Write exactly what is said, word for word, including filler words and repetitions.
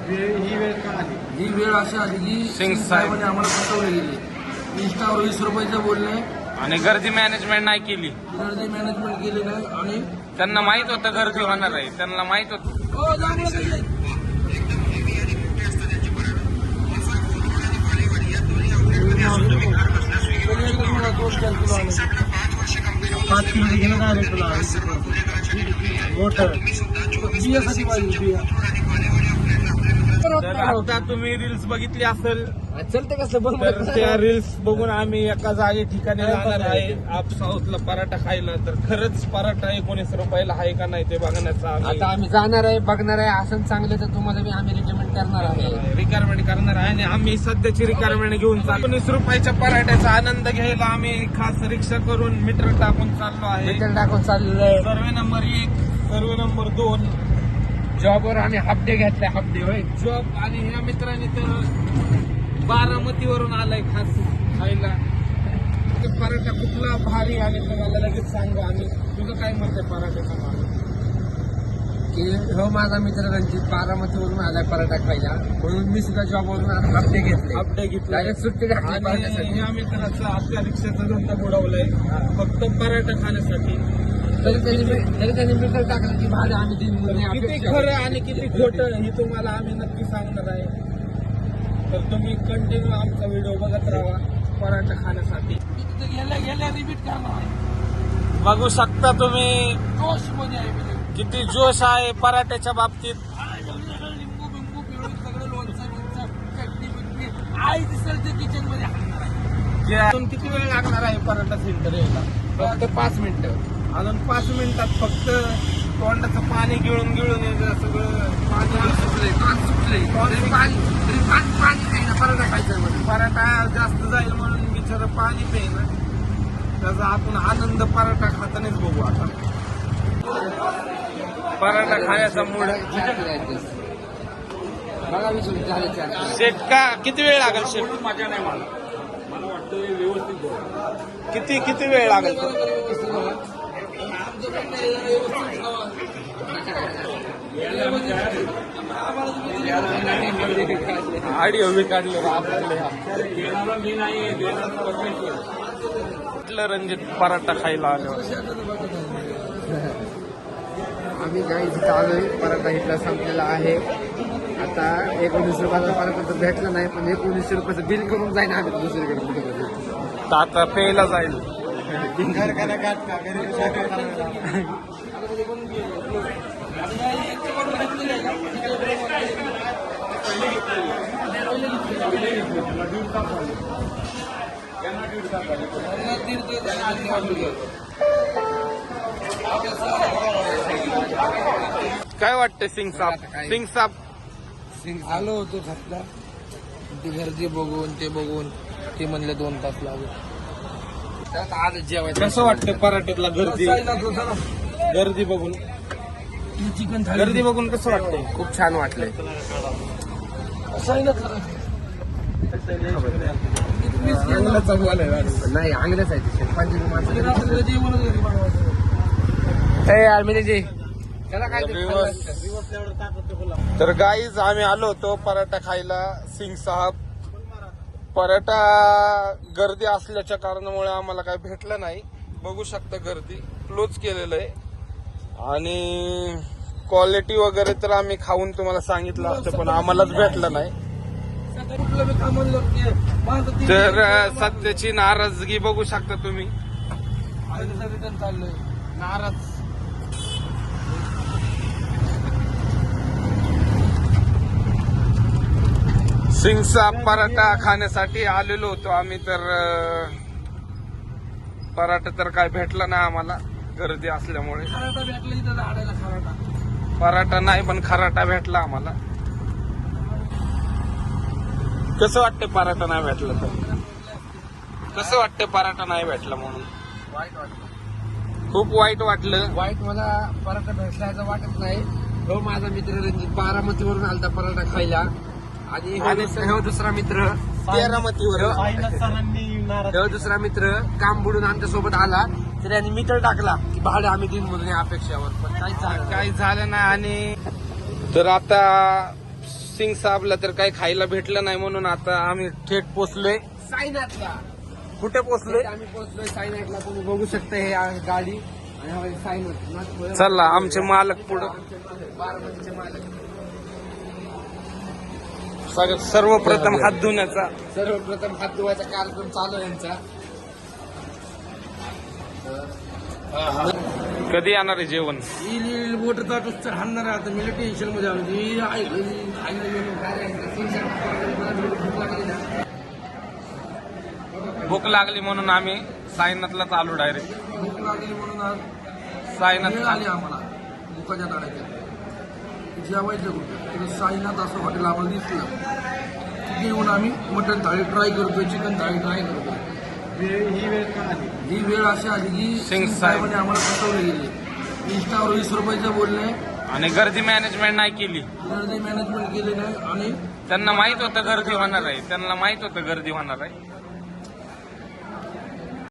ही वेळ का आली? ही वेळ अशी आली की सिंग साहेब आम्हाला फसवले गेले. इंस्टावर वीस रुपयाचं बोलणे आणि गर्दी मॅनेजमेंट नाही केली. गर्दी मॅनेजमेंट केली नाही आणि त्यांना माहित होतं गर्दी होणार आहे, त्यांना माहित होतं. हो, जांभळं गेले. दोन चार किलो आले. पाच किलो गेलं ना रे तुला मोठं बियासाठी पाहिजे बिया. तर आता तुम्ही रील्स बघितली असेल चलते कसं बंद तर त्या रील्स बघून आम्ही एका जागी ठिकाणी जाणार आहे आप साऊथला पराठा खायला. तर खरंच पराठा एकोणीस रुपयाला आहे का नाही ते बघण्याचा आता आम्ही जाणार आहे, बघणार आहे. असं चांगलं तर तुम्हाला मी आम्ही रिकमेंड करणार आहे. रिक्वायरमेंट करणार आहे आणि आम्ही सध्याची रिक्वायरमेंट घेऊन चाललो. एकोणीस रुपयाच्या पराठ्याचा आनंद घ्यायला आम्ही खास रिक्षा करून मीटर टाकून चाललो आहे. मीटर टाकून चाललेलं आहे. सर्वे नंबर एक, सर्वे नंबर दोन. जॉबवर आम्ही हाफ डे घेतलाय. हाफ डे होय. जॉब आणि ह्या मित्रांनी तर बारामतीवरून आलाय खास खायला. ते पराठा कुठला भारी आणि तुम्हाला लगेच सांगू आम्ही. तुझं काय मत आहे पराठ्याचं मला? की हो, माझा मित्र रणजित बारामतीवरून आलाय पराठा खायला, म्हणून मी सुद्धा जॉबवरून हाफ डे घेतले. अपडे घेतला डायरेक्ट सुट्टी टाकली आणि पराठ्यासाठी. ह्या मित्राचा आपल्या रिक्षाचा धंदा बुडवलाय फक्त पराठा खाण्यासाठी. तरी त्यांनी तरी त्यांनी मीटर टाकलं की भाडे आम्ही तीन मुली किती अपेक्षा. खरं आणि किती खोटं हे तुम्हाला आम्ही नक्की सांगणार आहे. तर तुम्ही कंटिन्यू आमचा व्हिडिओ बघत राहा पराठा खाण्यासाठी. गेल्या गेल्या रिपीट करणार आहे. बघू शकता तुम्ही जोश मध्ये आहे म्हणजे. किती जोश आहे पराठ्याच्या बाबतीत. लिंबू बिंबू पिळून सगळं लोणचं बिंचं चटणी बिटणी आई दिसेल ते किचन मध्ये हाणणार आहे. अजून किती वेळ लागणार आहे पराठा सेंटर यायला? फक्त पाच मिनिटं. अजून पाच मिनिटात फक्त तोंडाचं पाणी गिळून गिळून येतं सगळं. पाणी सुटले पाच सुटले तरी पाणी तरी पाणी पाणी नाही ना पराठा खायचं म्हणजे. पराठा जास्त जाईल म्हणून बिचारं पाणी पेन. त्याचा आपण आनंद पराठा खातानाच बघू आता. पराठा खाण्याचा मूड. बघा विचार झाले चार. शेट का किती वेळ लागेल शेट? मजा नाही मला मला वाटतं व्यवस्थित किती किती वेळ लागेल? ऑडिओ बी काढले मी नाही म्हटलं रणजित पराठा खायला आल्यावर. आम्ही काही जिथं आलोय पराठा इथला संपलेला आहे. आता एकोणीस रुपयाचा पराठा तर भेटला नाही, पण एकोणीसशे रुपयाचं बिल करून जाईन आम्ही दुसरीकडे कुठे. तर आता प्यायला जाईल. काय वाटतं सिंग साहेब? सिंग साहेब आलो होतो घातला, ती गर्दी बघून ते बघून ते म्हणले दोन तास लागू. आज जेवायचं कसं वाटतं पराठ्यातला गर्दी गर्दी बघून? चिकन गर्दी बघून कसं वाटतंय? खूप छान वाटलंय. नाही अंगल्याच आहे ते पंजाबी माणसं. त्याला काय तर गाईज आम्ही आलो होतो पराठा खायला सिंग साहेब. पराठा गर्दी असल्याच्या कारणामुळे आम्हाला काही भेटलं नाही. बघू शकता गर्दी क्लोज केलेलं आहे आणि क्वालिटी वगैरे तर आम्ही खाऊन तुम्हाला सांगितलं असतं पण आम्हालाच भेटलं नाही. तर सध्याची नाराजगी बघू शकता तुम्ही. चाललोय नाराज सिंगचा पराठा खाण्यासाठी आलेलो होतो आम्ही. तर पराठा तर काय भेटला नाही आम्हाला गर्दी असल्यामुळे. खराटा भेटला इथं झाडायला खराटा. पराठा नाही पण खराटा भेटला आम्हाला. कसं वाटतं पराठा नाही भेटला तर? कसं वाटतं पराठा नाही भेटला म्हणून? वाईट वाटलं. खूप वाईट वाटलं. वाईट मला पराठा भेटल्याचं वाटत नाही. हो, माझा मित्र रणजित बारामतीवरून आलता पराठा खायला आणि हो दुसरा मित्र तेरामतीवर. हो दुसरा मित्र काम बुडून आमच्या सोबत आला तर यांनी मीटर टाकला की भाडे आम्ही दिन म्हणून या अपेक्षावर, पण काहीच झालं काही झालं नाही. आणि तर आता सिंग साहेबला तर काही खायला भेटलं नाही म्हणून आता आम्ही थेट पोचलोय. साईनाथला कुठे पोचलोय? आम्ही पोहोचलोय साईनाथला. तुम्ही बघू शकता हे आहे गाडी आणि हा आहे साईनाथ. चला आमचे मालक पुढं. बारामतीचे मालक. सगळं सर्वप्रथम हात धुण्याचा सर्वप्रथम हात धुवायचा कार्यक्रम चालू आहे यांचा. कधी येणार आहे जेवण? मोठं ताटूस तर हाणणार आहे आता. मी टेन्शन मध्ये आलो की आहे घरी खायला गेलो. भूक लागली म्हणून आम्ही साईनाथलाच आलो डायरेक्ट. भूक लागली म्हणून आज साईनाथ वेळ आली आम्हाला भुकाच्या दाड्याच्या जेवायचं कुठं. तिथे साईनाथ असं हॉटेल आम्हाला दिसलं. तिथे येऊन आम्ही मटण थाळी ट्राय करतोय, चिकन थाळी ट्राय करतोय. ही वेळ ही वेळ अशी आली की सिंग साहेबांनी आम्हाला फसवले गेले. इंस्टावर वीस रुपयाचं बोलणे आणि गर्दी मॅनेजमेंट नाही केली. गर्दी मॅनेजमेंट केले नाही आणि त्यांना माहित होतं गर्दी होणार आहे. त्यांना माहित होतं गर्दी होणार आहे.